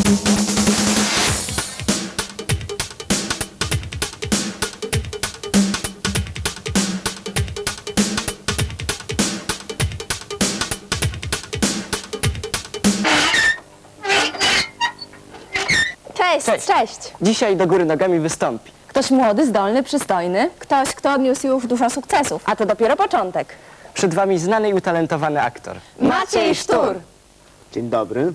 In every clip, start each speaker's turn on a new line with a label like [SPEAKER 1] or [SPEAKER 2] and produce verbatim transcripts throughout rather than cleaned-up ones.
[SPEAKER 1] Cześć.
[SPEAKER 2] Cześć.
[SPEAKER 1] Cześć.
[SPEAKER 2] Dzisiaj do góry nogami wystąpi.
[SPEAKER 1] Ktoś młody, zdolny, przystojny. Ktoś, kto odniósł już dużo sukcesów. A to dopiero początek.
[SPEAKER 2] Przed wami znany i utalentowany aktor.
[SPEAKER 1] Maciej Sztur.
[SPEAKER 3] Dzień dobry.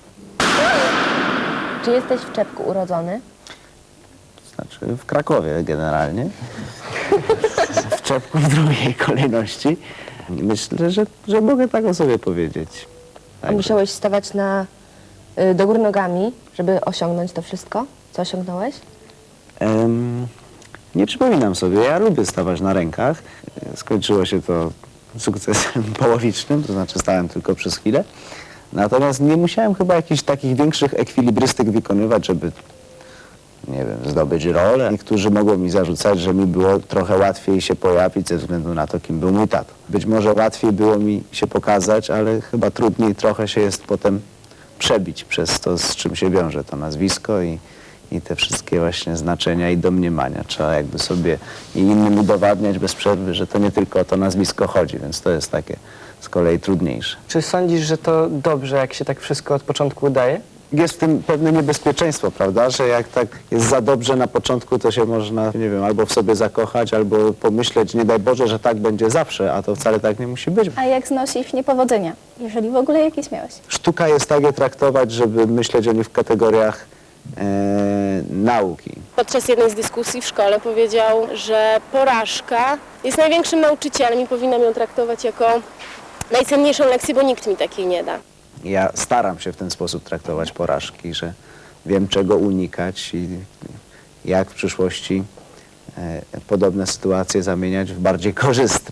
[SPEAKER 1] Czy jesteś w Czepku urodzony?
[SPEAKER 3] Znaczy w Krakowie generalnie. W Czepku w drugiej kolejności. Myślę, że, że mogę tak o sobie powiedzieć.
[SPEAKER 1] A musiałeś stawać na, y, do góry nogami, żeby osiągnąć to wszystko? Co osiągnąłeś?
[SPEAKER 3] Em, nie przypominam sobie, ja lubię stawać na rękach. Skończyło się to sukcesem połowicznym, to znaczy stałem tylko przez chwilę. Natomiast nie musiałem chyba jakichś takich większych ekwilibrystyk wykonywać, żeby, nie wiem, zdobyć rolę. Niektórzy mogą mi zarzucać, że mi było trochę łatwiej się pojawić ze względu na to, kim był mój tato. Być może łatwiej było mi się pokazać, ale chyba trudniej trochę się jest potem przebić przez to, z czym się wiąże to nazwisko i, i te wszystkie właśnie znaczenia i domniemania. Trzeba jakby sobie i innym udowadniać bez przerwy, że to nie tylko o to nazwisko chodzi, więc to jest takie z kolei trudniejsze.
[SPEAKER 2] Czy sądzisz, że to dobrze, jak się tak wszystko od początku udaje?
[SPEAKER 3] Jest w tym pewne niebezpieczeństwo, prawda, że jak tak jest za dobrze na początku, to się można, nie wiem, albo w sobie zakochać, albo pomyśleć, nie daj Boże, że tak będzie zawsze, a to wcale tak nie musi być.
[SPEAKER 4] A jak znosisz niepowodzenia, jeżeli w ogóle jakieś miałeś?
[SPEAKER 3] Sztuka jest tak je traktować, żeby myśleć o nich w kategoriach e, nauki.
[SPEAKER 5] Podczas jednej z dyskusji w szkole powiedział, że porażka jest największym nauczycielem i powinnam ją traktować jako najcenniejszą lekcję, bo nikt mi takiej nie da.
[SPEAKER 3] Ja staram się w ten sposób traktować porażki, że wiem, czego unikać i jak w przyszłości e, podobne sytuacje zamieniać w bardziej korzystne.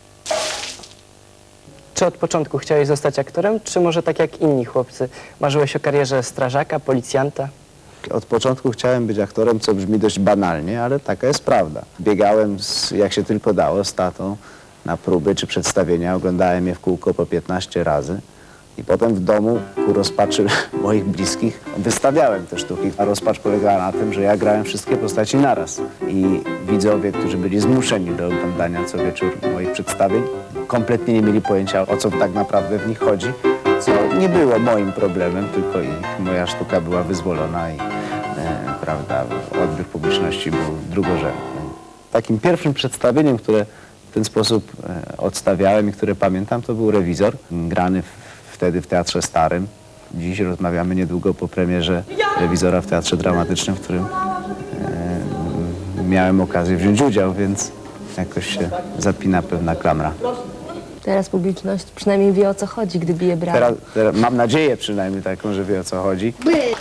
[SPEAKER 2] Czy od początku chciałeś zostać aktorem, czy może tak jak inni chłopcy, marzyłeś o karierze strażaka, policjanta?
[SPEAKER 3] Od początku chciałem być aktorem, co brzmi dość banalnie, ale taka jest prawda. Biegałem, z, jak się tylko dało, z tatą na próby czy przedstawienia. Oglądałem je w kółko po piętnaście razy. I potem w domu, ku rozpaczy moich bliskich, wystawiałem te sztuki. A rozpacz polegała na tym, że ja grałem wszystkie postaci naraz. I widzowie, którzy byli zmuszeni do oglądania co wieczór moich przedstawień, kompletnie nie mieli pojęcia, o co tak naprawdę w nich chodzi. Co nie było moim problemem, tylko ich. Moja sztuka była wyzwolona i e, prawda, odbiór publiczności był drugorzędny. Takim pierwszym przedstawieniem, które w ten sposób e, odstawiałem i które pamiętam, to był Rewizor, grany w, wtedy w Teatrze Starym. Dziś rozmawiamy niedługo po premierze Rewizora w Teatrze Dramatycznym, w którym e, miałem okazję wziąć udział, więc jakoś się zapina pewna klamra.
[SPEAKER 1] Teraz publiczność przynajmniej wie, o co chodzi, gdy bije brawo.
[SPEAKER 3] Teraz, teraz mam nadzieję przynajmniej taką, że wie, o co chodzi.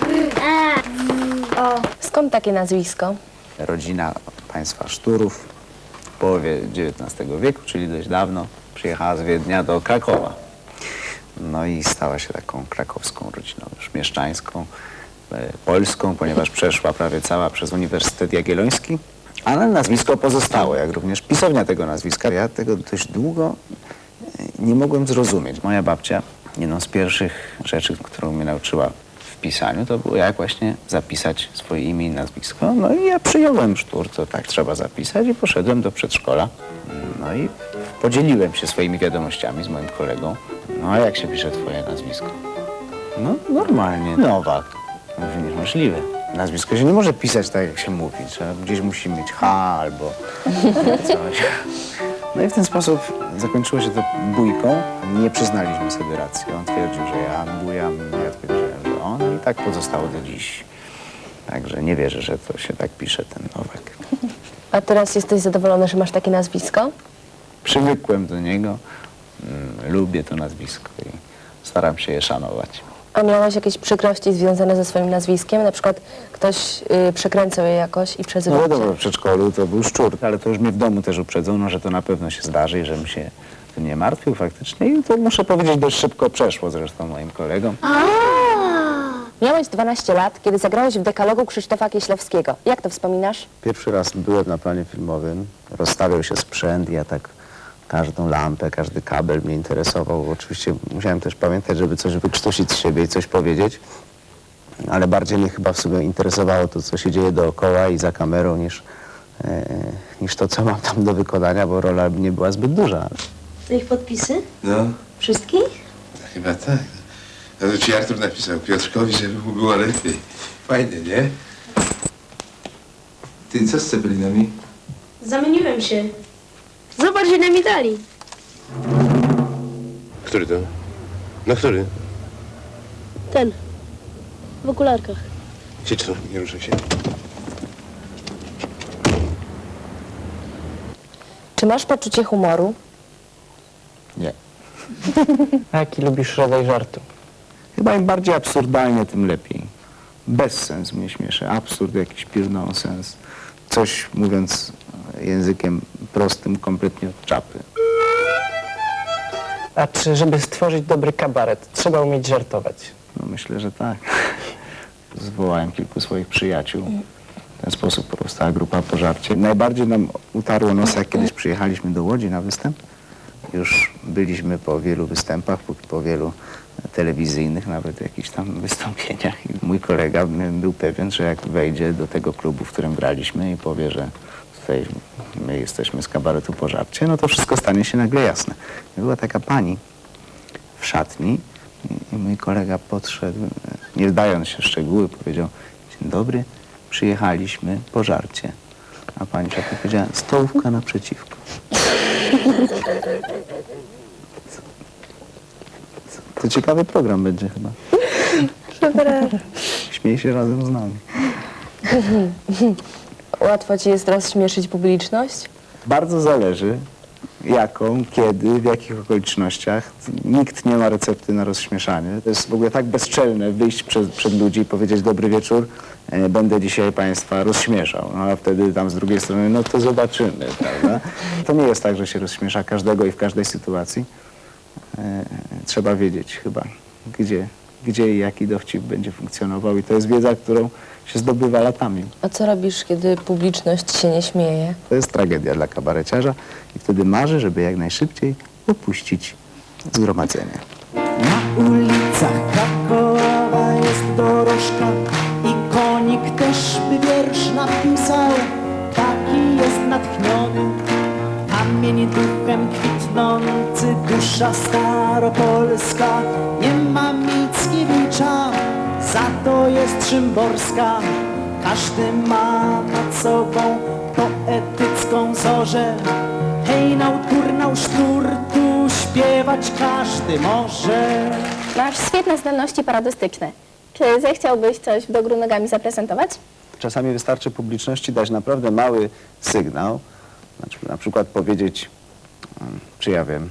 [SPEAKER 1] Skąd takie nazwisko?
[SPEAKER 3] Rodzina państwa Szturów w połowie dziewiętnastego wieku, czyli dość dawno, przyjechała z Wiednia do Krakowa. No i stała się taką krakowską rodziną, już mieszczańską, e, polską, ponieważ przeszła prawie cała przez Uniwersytet Jagielloński. Ale nazwisko pozostało, jak również pisownia tego nazwiska. Ja tego dość długo e, nie mogłem zrozumieć. Moja babcia, jedną z pierwszych rzeczy, którą mnie nauczyła w pisaniu, to było jak właśnie zapisać swoje imię i nazwisko. No i ja przyjąłem Sztur, to tak trzeba zapisać i poszedłem do przedszkola. No i podzieliłem się swoimi wiadomościami z moim kolegą. No a jak się pisze twoje nazwisko? No normalnie, Nowak. Mówię, niemożliwe. Nazwisko się nie może pisać tak, jak się mówi. Trzeba, gdzieś musi mieć H albo coś. No i w ten sposób zakończyło się to bójką. Nie przyznaliśmy sobie racji. On twierdził, że ja bujam, ja twierdziłem, że on. I tak pozostało do dziś. Także nie wierzę, że to się tak pisze, ten Nowak.
[SPEAKER 1] A teraz jesteś zadowolony, że masz takie nazwisko?
[SPEAKER 3] Przywykłem do niego, mm, lubię to nazwisko i staram się je szanować.
[SPEAKER 1] A miałeś jakieś przykrości związane ze swoim nazwiskiem? Na przykład ktoś y, przekręcał je jakoś i przezywał
[SPEAKER 3] No
[SPEAKER 1] cię?
[SPEAKER 3] wiadomo, w przedszkolu to był Szczur, ale to już mnie w domu też uprzedzono, że to na pewno się zdarzy i żebym się tym nie martwił faktycznie. I to muszę powiedzieć, dość szybko przeszło zresztą moim kolegom.
[SPEAKER 1] Miałeś dwanaście lat, kiedy zagrałeś w dekalogu Krzysztofa Kieślowskiego. Jak to wspominasz?
[SPEAKER 3] Pierwszy raz byłem na planie filmowym, rozstawiał się sprzęt i ja tak każdą lampę, każdy kabel mnie interesował. Oczywiście musiałem też pamiętać, żeby coś wykrztusić z siebie i coś powiedzieć. ale bardziej mnie chyba w sobie interesowało to, co się dzieje dookoła i za kamerą, niż, e, niż to, co mam tam do wykonania, bo rola nie była zbyt duża.
[SPEAKER 6] To ich podpisy?
[SPEAKER 7] No,
[SPEAKER 6] Wszystkich?
[SPEAKER 7] chyba tak. No to ci Artur napisał Piotrkowi, żeby mu było lepiej. Fajnie, nie? Ty, co z cepelinami?
[SPEAKER 6] Zamieniłem się. Zobacz, ile mi dali.
[SPEAKER 7] Który to? No który?
[SPEAKER 6] Ten. W okularkach.
[SPEAKER 7] Siedź tu, nie ruszaj się.
[SPEAKER 1] Czy masz poczucie humoru?
[SPEAKER 3] Nie.
[SPEAKER 2] A jaki lubisz rodzaj żartu?
[SPEAKER 3] Chyba im bardziej absurdalnie, tym lepiej. Bezsens mnie śmieszy, absurd, jakiś pure nonsens. Coś, mówiąc językiem prostym, kompletnie od czapy.
[SPEAKER 2] A czy żeby stworzyć dobry kabaret, trzeba umieć żartować?
[SPEAKER 3] No myślę, że tak. Zwołałem kilku swoich przyjaciół. W ten sposób powstała grupa Pożarcie. Najbardziej nam utarło nos, jak kiedyś przyjechaliśmy do Łodzi na występ. Już byliśmy po wielu występach, po, po wielu telewizyjnych, nawet jakichś tam wystąpieniach. I mój kolega był pewien, że jak wejdzie do tego klubu, w którym graliśmy i powie, że tutaj my jesteśmy z kabaretu Pożarcie, no to wszystko stanie się nagle jasne. I była taka pani w szatni i mój kolega podszedł, nie wdając się w szczegóły, powiedział: dzień dobry, przyjechaliśmy Pożarcie. A pani w szatni powiedziała: stołówka naprzeciwko. To ciekawy program będzie chyba. Śmiej się razem z nami.
[SPEAKER 1] Łatwo ci jest teraz śmieszyć publiczność?
[SPEAKER 3] Bardzo zależy, jaką, kiedy, w jakich okolicznościach. Nikt nie ma recepty na rozśmieszanie. To jest w ogóle tak bezczelne wyjść przed, przed ludzi i powiedzieć: dobry wieczór, e, będę dzisiaj państwa rozśmieszał. No a wtedy tam z drugiej strony, no to zobaczymy, prawda? To nie jest tak, że się rozśmiesza każdego i w każdej sytuacji. E, trzeba wiedzieć chyba, gdzie, gdzie i jaki dowcip będzie funkcjonował, i to jest wiedza, którą się zdobywa latami.
[SPEAKER 1] A co robisz, kiedy publiczność się nie śmieje?
[SPEAKER 3] To jest tragedia dla kabareciarza i wtedy marzy, żeby jak najszybciej opuścić zgromadzenie.
[SPEAKER 8] Na ulicach Krakowa jest dorożka i konik też by wiersz napisał. Taki jest natchniony, kamień duchem kwitnący, dusza staropolska. Nie ma Mickiewicza, za to jest Szymborska. Każdy ma nad sobą poetycką zorzę. Hejnał, turnał, sztur, tu śpiewać każdy może.
[SPEAKER 4] Masz świetne zdolności parodystyczne. Czy zechciałbyś coś do góry nogami zaprezentować?
[SPEAKER 3] Czasami wystarczy publiczności dać naprawdę mały sygnał, znaczy, na przykład powiedzieć, mm, czy ja wiem,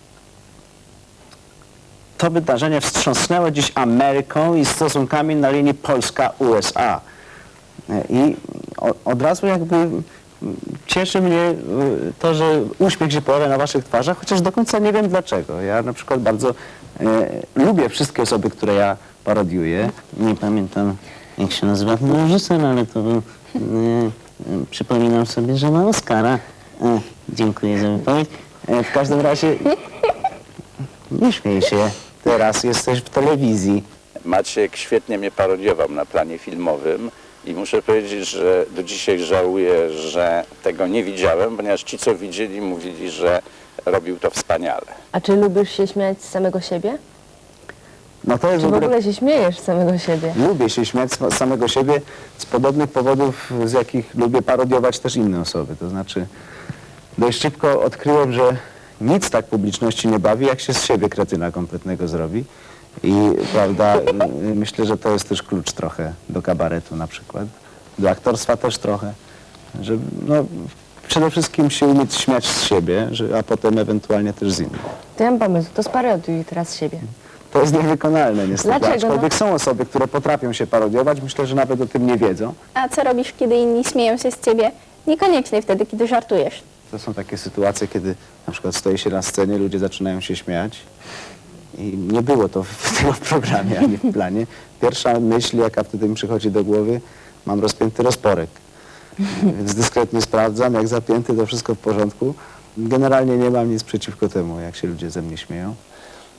[SPEAKER 3] to wydarzenie wstrząsnęło dziś Ameryką i stosunkami na linii Polska-U S A. I o, od razu jakby mm, cieszy mnie y, to, że uśmiech się pojawia na waszych twarzach, chociaż do końca nie wiem dlaczego. Ja na przykład bardzo y, lubię wszystkie osoby, które ja parodiuję. Nie pamiętam, jak się nazywa ten reżyser, ale to był, y, y, przypominam sobie, że ma Oscara. E, dziękuję za wypowiedź. E, w każdym razie nie śmiej się, teraz jesteś w telewizji.
[SPEAKER 9] Maciek świetnie mnie parodiował na planie filmowym i muszę powiedzieć, że do dzisiaj żałuję, że tego nie widziałem, ponieważ ci, co widzieli, mówili, że robił to wspaniale.
[SPEAKER 1] A czy lubisz się śmiać z samego siebie?
[SPEAKER 3] No to jest
[SPEAKER 1] Czy
[SPEAKER 3] w
[SPEAKER 1] w
[SPEAKER 3] ogóle...
[SPEAKER 1] ogóle się śmiejesz z samego siebie?
[SPEAKER 3] Lubię się śmiać z samego siebie z podobnych powodów, z jakich lubię parodiować też inne osoby. To znaczy, dość szybko odkryłem, że nic tak publiczności nie bawi, jak się z siebie kretyna kompletnego zrobi. I prawda, myślę, że to jest też klucz trochę do kabaretu na przykład, do aktorstwa też trochę, że no, przede wszystkim się umieć śmiać z siebie, że, a potem ewentualnie też z innych.
[SPEAKER 1] To ja mam pomysł, to sparodiuj teraz siebie.
[SPEAKER 3] To jest niewykonalne niestety,
[SPEAKER 1] Dlaczego,
[SPEAKER 3] aczkolwiek
[SPEAKER 1] no?
[SPEAKER 3] są osoby, które potrafią się parodiować, myślę, że nawet o tym nie wiedzą.
[SPEAKER 4] A co robisz, kiedy inni śmieją się z ciebie? Niekoniecznie wtedy, kiedy żartujesz.
[SPEAKER 3] To są takie sytuacje, kiedy na przykład stoi się na scenie, ludzie zaczynają się śmiać i nie było to w tym programie ani w planie. Pierwsza myśl, jaka wtedy mi przychodzi do głowy: mam rozpięty rozporek, więc dyskretnie sprawdzam, jak zapięty, to wszystko w porządku. Generalnie nie mam nic przeciwko temu, jak się ludzie ze mnie śmieją.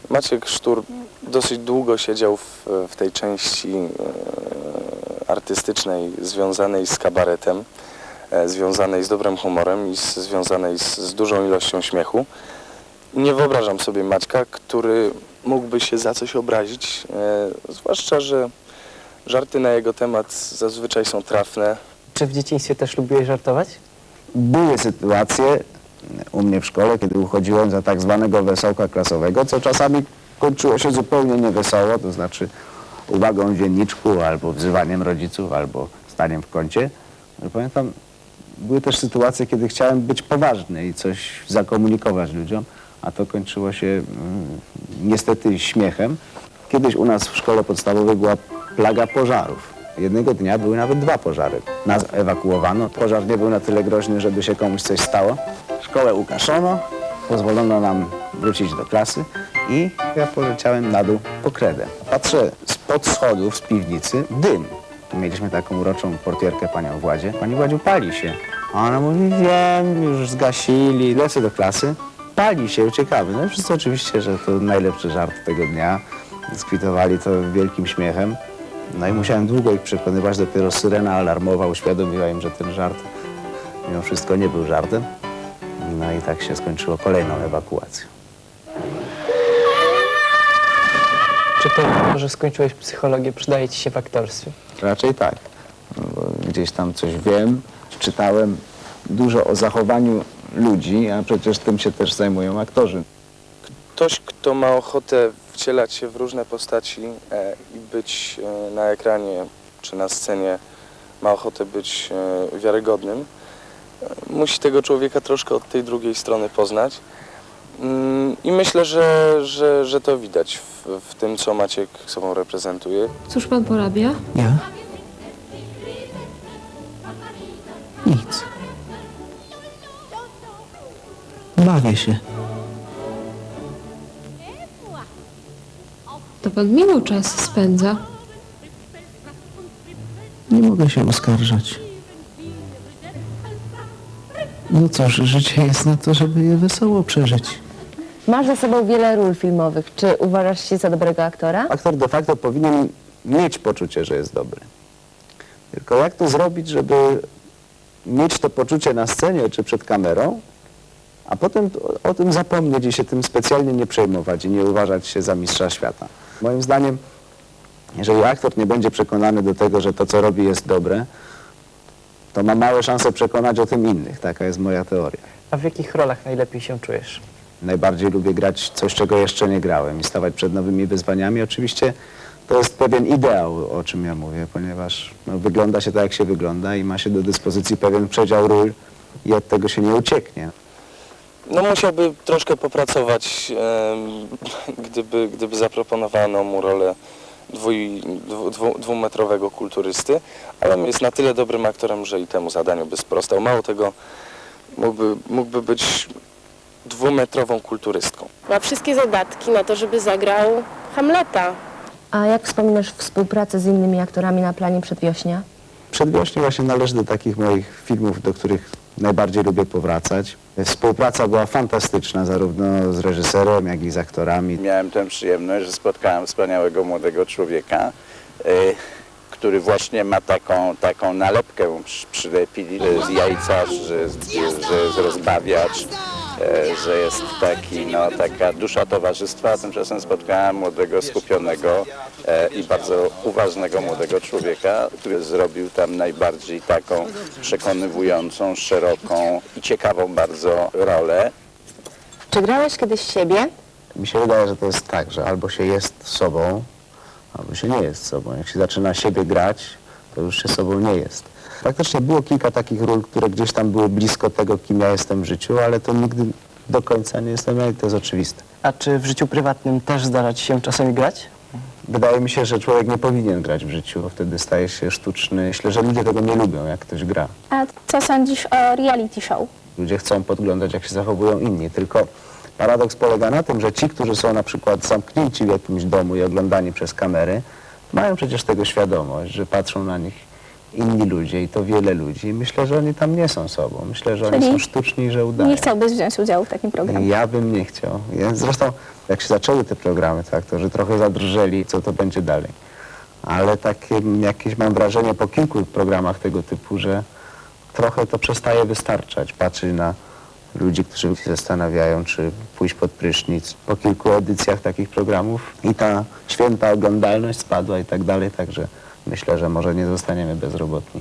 [SPEAKER 10] Maciek Sztur dosyć długo siedział w, w tej części e, artystycznej związanej z kabaretem, e, związanej z dobrym humorem i z, związanej z, z dużą ilością śmiechu. Nie wyobrażam sobie Maćka, który mógłby się za coś obrazić, e, zwłaszcza, że żarty na jego temat zazwyczaj są trafne.
[SPEAKER 2] Czy w dzieciństwie też lubiłeś żartować?
[SPEAKER 3] Były sytuacje u mnie w szkole, kiedy uchodziłem za tak zwanego wesołka klasowego, co czasami kończyło się zupełnie niewesoło, to znaczy uwagą w dzienniczku, albo wzywaniem rodziców, albo staniem w kącie. Ale pamiętam, były też sytuacje, kiedy chciałem być poważny i coś zakomunikować ludziom, a to kończyło się mm, niestety śmiechem. Kiedyś u nas w szkole podstawowej była plaga pożarów. Jednego dnia były nawet dwa pożary. Nas ewakuowano. Pożar nie był na tyle groźny, żeby się komuś coś stało. Szkołę ukaszono, pozwolono nam wrócić do klasy i ja poleciałem na dół po kredę. Patrzę spod schodów z piwnicy, dym. Mieliśmy taką uroczą portierkę panią Władzie. Pani Władziu, pali się. A ona mówi, wiem, już zgasili. Lecę do klasy, pali się, uciekamy. No i wszyscy oczywiście, że to najlepszy żart tego dnia. Skwitowali to wielkim śmiechem. No i musiałem długo ich przekonywać, dopiero syrena alarmowa uświadomiła im, że ten żart mimo wszystko nie był żartem. No i tak się skończyło kolejną ewakuacją.
[SPEAKER 2] Czy to, że skończyłeś psychologię, przydaje ci się w aktorstwie?
[SPEAKER 3] Raczej tak. No bo gdzieś tam coś wiem, czytałem dużo o zachowaniu ludzi, a przecież tym się też zajmują aktorzy.
[SPEAKER 10] Ktoś, kto ma ochotę wcielać się w różne postaci e, i być e, na ekranie czy na scenie, ma ochotę być e, wiarygodnym, e, musi tego człowieka troszkę od tej drugiej strony poznać. Mm, I myślę, że, że, że to widać w, w tym, co Maciek sobą reprezentuje.
[SPEAKER 6] Cóż pan porabia?
[SPEAKER 8] Ja? Nic. Bawię się.
[SPEAKER 6] To pan miło czas spędza.
[SPEAKER 8] Nie mogę się oskarżać. No cóż, życie jest na to, żeby je wesoło przeżyć.
[SPEAKER 1] Masz za sobą wiele ról filmowych. Czy uważasz się za dobrego aktora?
[SPEAKER 3] Aktor de facto powinien mieć poczucie, że jest dobry. Tylko jak to zrobić, żeby mieć to poczucie na scenie czy przed kamerą, a potem o, o tym zapomnieć i się tym specjalnie nie przejmować i nie uważać się za mistrza świata. Moim zdaniem, jeżeli aktor nie będzie przekonany do tego, że to, co robi, jest dobre, to ma małe szanse przekonać o tym innych. Taka jest moja teoria.
[SPEAKER 2] A w jakich rolach najlepiej się czujesz?
[SPEAKER 3] Najbardziej lubię grać coś, czego jeszcze nie grałem i stawać przed nowymi wyzwaniami. Oczywiście to jest pewien ideał, o czym ja mówię, ponieważ no, wygląda się tak, jak się wygląda i ma się do dyspozycji pewien przedział ról i od tego się nie ucieknie.
[SPEAKER 10] No musiałby troszkę popracować, e, gdyby, gdyby zaproponowano mu rolę dwuj, dwu, dwu, dwumetrowego kulturysty, ale jest na tyle dobrym aktorem, że i temu zadaniu by sprostał. Mało tego, mógłby, mógłby być dwumetrową kulturystką.
[SPEAKER 5] Ma wszystkie zadatki na to, żeby zagrał Hamleta.
[SPEAKER 1] A jak wspominasz współpracę z innymi aktorami na planie Przedwiośnia?
[SPEAKER 3] Przedwiośnie właśnie należy do takich moich filmów, do których najbardziej lubię powracać. Współpraca była fantastyczna, zarówno z reżyserem, jak i z aktorami.
[SPEAKER 9] Miałem tę przyjemność, że spotkałem wspaniałego młodego człowieka, y, który właśnie ma taką, taką nalepkę przy, przylepili z jajca, że, że jest rozbawiacz, e, że jest taki, no, taka dusza towarzystwa, a tymczasem spotkałem młodego, skupionego e, i bardzo uważnego młodego człowieka, który zrobił tam najbardziej taką przekonywującą, szeroką i ciekawą bardzo rolę.
[SPEAKER 1] Czy grałeś kiedyś siebie?
[SPEAKER 3] Mi się wydaje, że to jest tak, że albo się jest sobą, albo się nie jest sobą. Jak się zaczyna siebie grać, to już się sobą nie jest. Faktycznie było kilka takich ról, które gdzieś tam były blisko tego, kim ja jestem w życiu, ale to nigdy do końca nie jestem ja i to jest oczywiste.
[SPEAKER 2] A czy w życiu prywatnym też zdarza ci się czasami grać?
[SPEAKER 3] Wydaje mi się, że człowiek nie powinien grać w życiu, bo wtedy staje się sztuczny. Myślę, że ludzie tego nie lubią, jak ktoś gra.
[SPEAKER 4] A co sądzisz o reality show?
[SPEAKER 3] Ludzie chcą podglądać, jak się zachowują inni, tylko paradoks polega na tym, że ci, którzy są na przykład zamknięci w jakimś domu i oglądani przez kamery, mają przecież tego świadomość, że patrzą na nich inni ludzie i to wiele ludzi. Myślę, że oni tam nie są sobą. Myślę, że oni
[SPEAKER 4] Czyli
[SPEAKER 3] są sztuczni i że udają.
[SPEAKER 4] Nie chciałbyś wziąć udziału w takim programie?
[SPEAKER 3] Ja bym nie chciał. Ja, zresztą jak się zaczęły te programy, to aktorzy trochę zadrżeli, co to będzie dalej. Ale takie jakieś mam wrażenie po kilku programach tego typu, że trochę to przestaje wystarczać. Patrzeć na ludzi, którzy się zastanawiają, czy pójść pod prysznic. Po kilku edycjach takich programów i ta święta oglądalność spadła i tak dalej, także myślę, że może nie zostaniemy bezrobotni.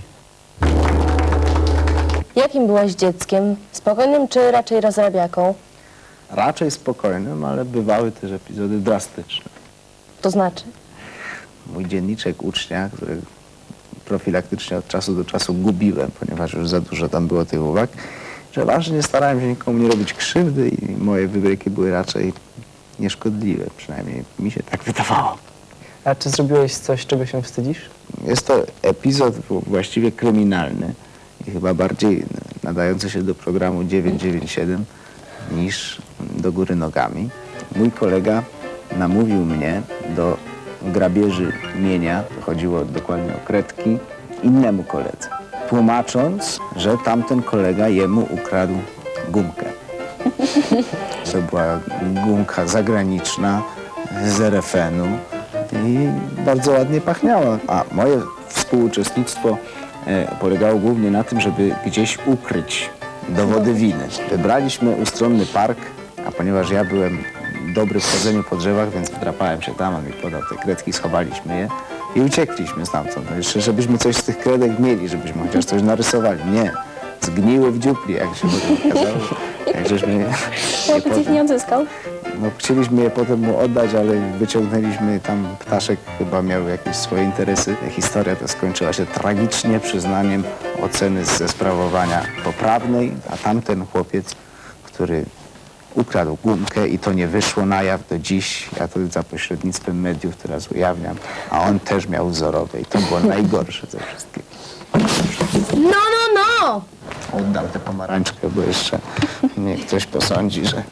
[SPEAKER 1] Jakim byłaś dzieckiem? Spokojnym czy raczej rozrabiaką?
[SPEAKER 3] Raczej spokojnym, ale bywały też epizody drastyczne.
[SPEAKER 1] To znaczy?
[SPEAKER 3] Mój dzienniczek ucznia, który profilaktycznie od czasu do czasu gubiłem, ponieważ już za dużo tam było tych uwag, że ważnie starałem się nikomu nie robić krzywdy i moje wybryki były raczej nieszkodliwe, przynajmniej mi się tak wydawało.
[SPEAKER 2] A czy zrobiłeś coś, czego się wstydzisz?
[SPEAKER 3] Jest to epizod właściwie kryminalny i chyba bardziej nadający się do programu dziewięć dziewięć siedem niż do góry nogami. Mój kolega namówił mnie do grabieży mienia, chodziło dokładnie o kredki, innemu koledze, tłumacząc, że tamten kolega jemu ukradł gumkę. To była gumka zagraniczna z er ef enu i bardzo ładnie pachniała. A moje współuczestnictwo e, polegało głównie na tym, żeby gdzieś ukryć dowody winy. Wybraliśmy ustronny park, a ponieważ ja byłem dobry w chodzeniu po drzewach, więc wdrapałem się tam, on mi podał te kredki, schowaliśmy je i uciekliśmy stamtąd. No jeszcze, żebyśmy coś z tych kredek mieli, żebyśmy chociaż coś narysowali. Nie, zgniły w dziupli, jak się potem okazało. Jak żeśmy je
[SPEAKER 4] Chłopiec ich
[SPEAKER 3] potem,
[SPEAKER 4] nie odzyskał?
[SPEAKER 3] no, chcieliśmy je potem mu oddać, ale wyciągnęliśmy tam, ptaszek chyba miał jakieś swoje interesy. Historia ta skończyła się tragicznie przyznaniem oceny ze sprawowania poprawnej, a tamten chłopiec, który ukradł gumkę i to nie wyszło na jaw do dziś. Ja to za pośrednictwem mediów teraz ujawniam. A on też miał wzorowe i to było najgorsze ze wszystkiego.
[SPEAKER 6] No, no, no!
[SPEAKER 3] Oddam tę pomarańczkę, bo jeszcze mnie ktoś posądzi, że,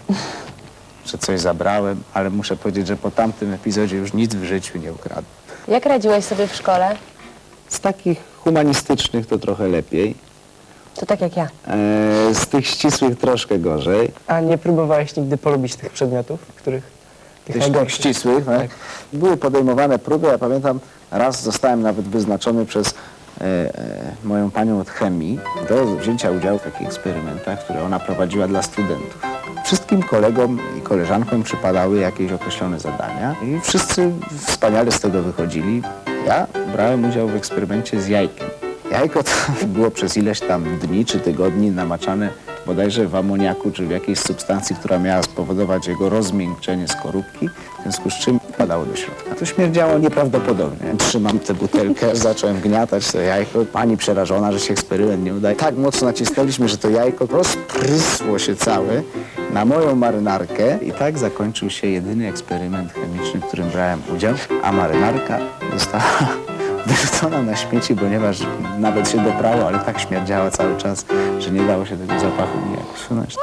[SPEAKER 3] że coś zabrałem, ale muszę powiedzieć, że po tamtym epizodzie już nic w życiu nie ukradłem.
[SPEAKER 1] Jak radziłeś sobie w szkole?
[SPEAKER 3] Z takich humanistycznych to trochę lepiej.
[SPEAKER 1] To tak jak ja.
[SPEAKER 3] E, z tych ścisłych troszkę gorzej.
[SPEAKER 2] A nie próbowałeś nigdy polubić tych przedmiotów, których...
[SPEAKER 3] Tych, tych ścisłych, tak? Były podejmowane próby. Ja pamiętam, raz zostałem nawet wyznaczony przez e, e, moją panią od chemii do wzięcia udziału w takich eksperymentach, które ona prowadziła dla studentów. Wszystkim kolegom i koleżankom przypadały jakieś określone zadania i wszyscy wspaniale z tego wychodzili. Ja brałem udział w eksperymencie z jajkiem. Jajko to było przez ileś tam dni czy tygodni namaczane bodajże w amoniaku czy w jakiejś substancji, która miała spowodować jego rozmiękczenie skorupki, w związku z czym wpadało do środka. To śmierdziało nieprawdopodobnie. Trzymam tę butelkę, zacząłem gniatać to jajko. Pani przerażona, że się eksperyment nie udaje. Tak mocno nacisnęliśmy, że to jajko rozprysło się całe na moją marynarkę i tak zakończył się jedyny eksperyment chemiczny, w którym brałem udział, a marynarka została wyrzucona na śmieci, ponieważ nawet się doprało, ale tak śmierdziała cały czas, że nie dało się tego zapachu nijak usunąć.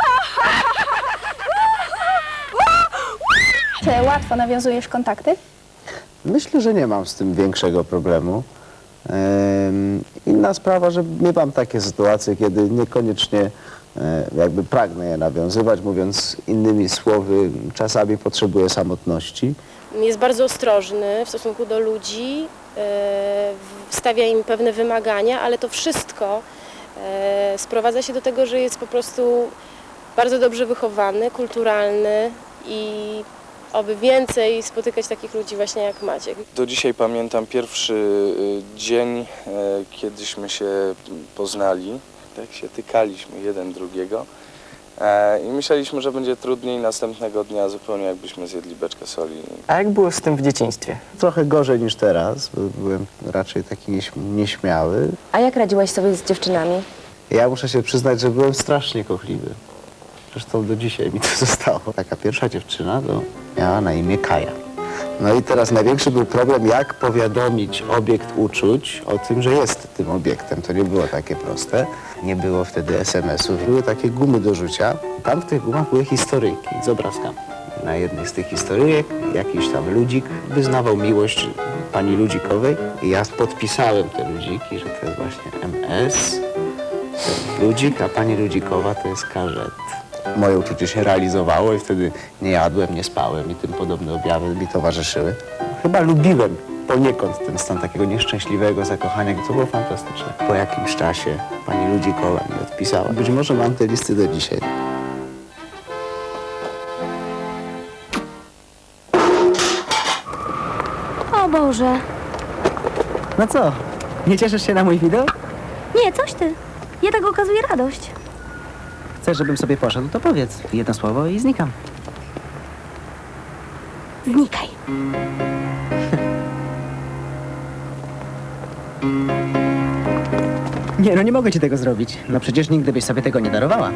[SPEAKER 4] Czy łatwo nawiązujesz kontakty?
[SPEAKER 3] Myślę, że nie mam z tym większego problemu. Ehm, inna sprawa, że miewam takie sytuacje, kiedy niekoniecznie e, jakby pragnę je nawiązywać, mówiąc innymi słowy, czasami potrzebuję samotności.
[SPEAKER 5] Jest bardzo ostrożny w stosunku do ludzi, e, stawia im pewne wymagania, ale to wszystko e, sprowadza się do tego, że jest po prostu bardzo dobrze wychowany, kulturalny i oby więcej spotykać takich ludzi właśnie jak Maciek.
[SPEAKER 10] Do dzisiaj pamiętam pierwszy y, dzień, y, kiedyśmy się poznali, tak się tykaliśmy jeden drugiego e, i myśleliśmy, że będzie trudniej następnego dnia, zupełnie jakbyśmy zjedli beczkę soli.
[SPEAKER 2] A jak było z tym w dzieciństwie?
[SPEAKER 3] Trochę gorzej niż teraz, bo byłem raczej taki nieś- nieśmiały.
[SPEAKER 1] A jak radziłeś sobie z dziewczynami?
[SPEAKER 3] Ja muszę się przyznać, że byłem strasznie kochliwy. Zresztą do dzisiaj mi to zostało. Taka pierwsza dziewczyna to miała na imię Kaja. No i teraz największy był problem, jak powiadomić obiekt uczuć o tym, że jest tym obiektem. To nie było takie proste. Nie było wtedy es em esów. Były takie gumy do rzucia. Tam w tych gumach były historyjki z obrazkami. Na jednej z tych historyjek jakiś tam ludzik wyznawał miłość pani Ludzikowej i ja podpisałem te ludziki, że to jest właśnie M S, Ludzik, a pani Ludzikowa to jest K Z. Moje uczucie się realizowało i wtedy nie jadłem, nie spałem i tym podobne objawy mi towarzyszyły. Chyba lubiłem poniekąd ten stan takiego nieszczęśliwego zakochania, to było fantastyczne. Po jakimś czasie pani Ludzikowa mi odpisała. Być może mam te listy do dzisiaj.
[SPEAKER 11] O Boże.
[SPEAKER 2] No co, nie cieszysz się na mój widok?
[SPEAKER 11] Nie, coś ty. Ja tak okazuję radość.
[SPEAKER 2] Chcesz, żebym sobie poszedł, to powiedz jedno słowo i znikam.
[SPEAKER 11] Znikaj.
[SPEAKER 2] Nie, no nie mogę ci tego zrobić. No przecież nigdy byś sobie tego nie darowała.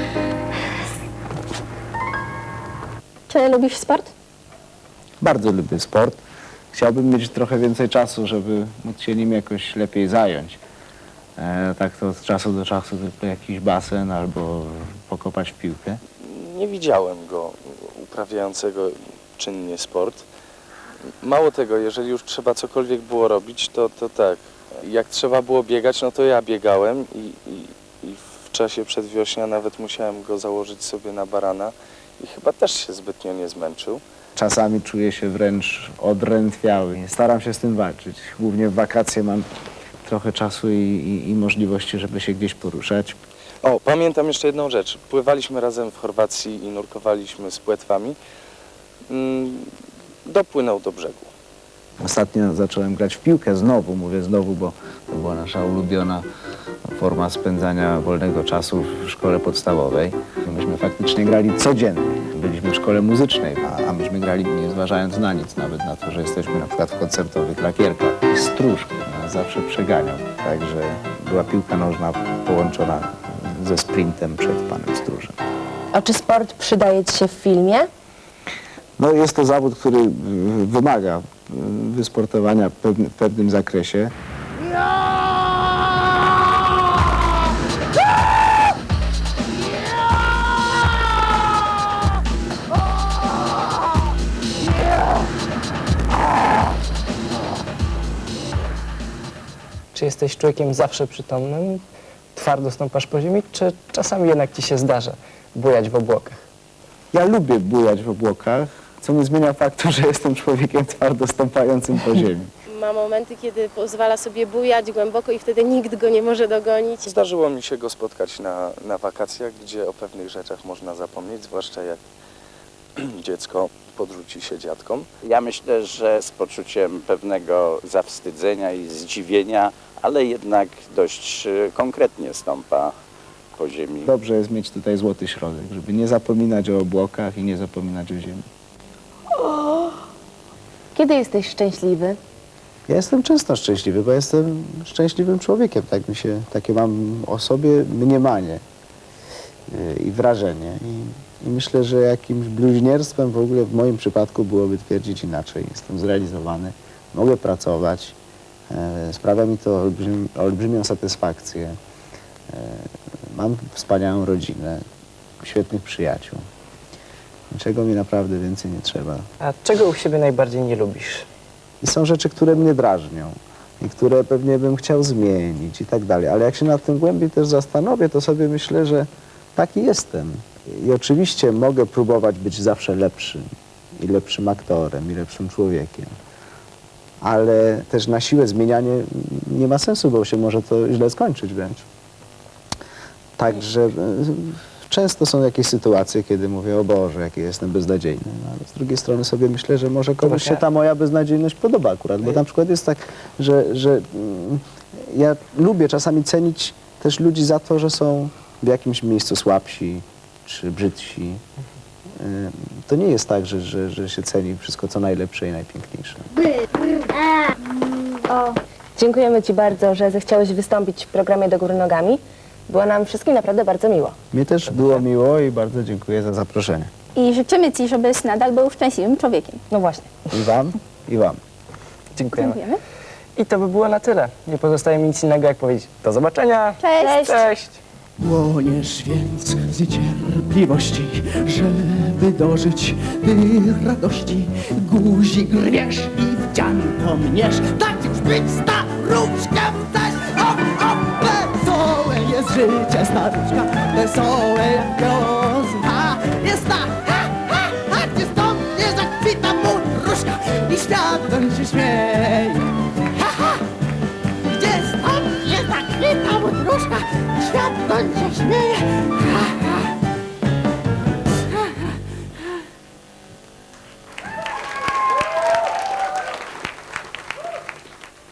[SPEAKER 4] Czy lubisz sport?
[SPEAKER 3] Bardzo lubię sport. Chciałbym mieć trochę więcej czasu, żeby móc się nim jakoś lepiej zająć. E, tak to od czasu do czasu tylko jakiś basen albo pokopać w piłkę.
[SPEAKER 10] Nie widziałem go uprawiającego czynnie sport. Mało tego, jeżeli już trzeba cokolwiek było robić, to, to tak. Jak trzeba było biegać, no to ja biegałem i, i, i w czasie przedwiośnia nawet musiałem go założyć sobie na barana i chyba też się zbytnio nie zmęczył.
[SPEAKER 3] Czasami czuję się wręcz odrętwiały. Staram się z tym walczyć. Głównie w wakacje mam trochę czasu i, i, i możliwości, żeby się gdzieś poruszać.
[SPEAKER 10] O, pamiętam jeszcze jedną rzecz. Pływaliśmy razem w Chorwacji i nurkowaliśmy z płetwami. Mm, dopłynął do brzegu.
[SPEAKER 3] Ostatnio zacząłem grać w piłkę znowu, mówię znowu, bo to była nasza ulubiona forma spędzania wolnego czasu w szkole podstawowej. Myśmy faktycznie grali codziennie. Byliśmy w szkole muzycznej, a, a myśmy grali nie zważając na nic, nawet na to, że jesteśmy na przykład w koncertowych lakierkach. I Stróż nas zawsze przeganiał, także była piłka nożna połączona ze sprintem przed panem Stróżem.
[SPEAKER 1] A czy sport przydaje ci się w filmie?
[SPEAKER 3] No jest to zawód, który y, wymaga y, wysportowania w pewnym, w pewnym zakresie.
[SPEAKER 2] Czy jesteś człowiekiem zawsze przytomnym, twardo stąpasz po ziemi, czy czasami jednak ci się zdarza bujać w obłokach?
[SPEAKER 3] Ja lubię bujać w obłokach, co nie zmienia faktu, że jestem człowiekiem twardo stąpającym po ziemi.
[SPEAKER 5] Ma momenty, kiedy pozwala sobie bujać głęboko i wtedy nikt go nie może dogonić.
[SPEAKER 10] Zdarzyło mi się go spotkać na, na wakacjach, gdzie o pewnych rzeczach można zapomnieć, zwłaszcza jak dziecko podrzuci się dziadkom.
[SPEAKER 9] Ja myślę, że z poczuciem pewnego zawstydzenia i zdziwienia, ale jednak dość e, konkretnie stąpa po ziemi.
[SPEAKER 3] Dobrze jest mieć tutaj złoty środek, żeby nie zapominać o obłokach i nie zapominać o ziemi.
[SPEAKER 1] Kiedy jesteś szczęśliwy?
[SPEAKER 3] Ja jestem często szczęśliwy, bo jestem szczęśliwym człowiekiem. Tak mi się, takie mam o sobie mniemanie yy, i wrażenie. I, I myślę, że jakimś bluźnierstwem w ogóle w moim przypadku byłoby twierdzić inaczej. Jestem zrealizowany, mogę pracować, yy, sprawia mi to olbrzym, olbrzymią satysfakcję. Yy, mam wspaniałą rodzinę, świetnych przyjaciół. Niczego mi naprawdę więcej nie trzeba.
[SPEAKER 2] A czego u siebie najbardziej nie lubisz?
[SPEAKER 3] I są rzeczy, które mnie drażnią i które pewnie bym chciał zmienić i tak dalej. Ale jak się nad tym głębiej też zastanowię, to sobie myślę, że taki jestem. I oczywiście mogę próbować być zawsze lepszym i lepszym aktorem i lepszym człowiekiem. Ale też na siłę zmienianie nie ma sensu, bo się może to źle skończyć wręcz. Także e, często są jakieś sytuacje, kiedy mówię, o Boże, jaki jestem beznadziejny. No, ale z drugiej strony sobie myślę, że może komuś się ta moja beznadziejność podoba akurat. Bo na przykład jest tak, że, że mm, ja lubię czasami cenić też ludzi za to, że są w jakimś miejscu słabsi czy brzydsi. Y, To nie jest tak, że, że, że się ceni wszystko, co najlepsze i najpiękniejsze.
[SPEAKER 1] Dziękujemy ci bardzo, że zechciałeś wystąpić w programie Do Góry Nogami. Było nam wszystkim naprawdę bardzo miło.
[SPEAKER 3] Mnie też było miło i bardzo dziękuję za zaproszenie.
[SPEAKER 4] I życzymy Ci, żebyś nadal był szczęśliwym człowiekiem.
[SPEAKER 1] No właśnie.
[SPEAKER 3] I wam, i wam.
[SPEAKER 2] Dziękujemy.
[SPEAKER 4] Dziękujemy.
[SPEAKER 2] I to by było na tyle. Nie pozostaje mi nic innego, jak powiedzieć do zobaczenia.
[SPEAKER 4] Cześć!
[SPEAKER 2] Cześć.
[SPEAKER 8] Płoniesz więc z niecierpliwości, żeby dożyć tych radości. Guzik rwiesz i w
[SPEAKER 12] dzianko mniesz, tak już być staruszkiem chcesz. Hop, hop, wesołe jest życie staruszka, wesołe jak wiosna. Jest ta, ha, ha, ha, gdzie stąd nie zakwita mundruszka i świat doń się śmieje. Ha, ha, gdzie stąd nie zakwita mundruszka i świat doń się śmieje. Ha,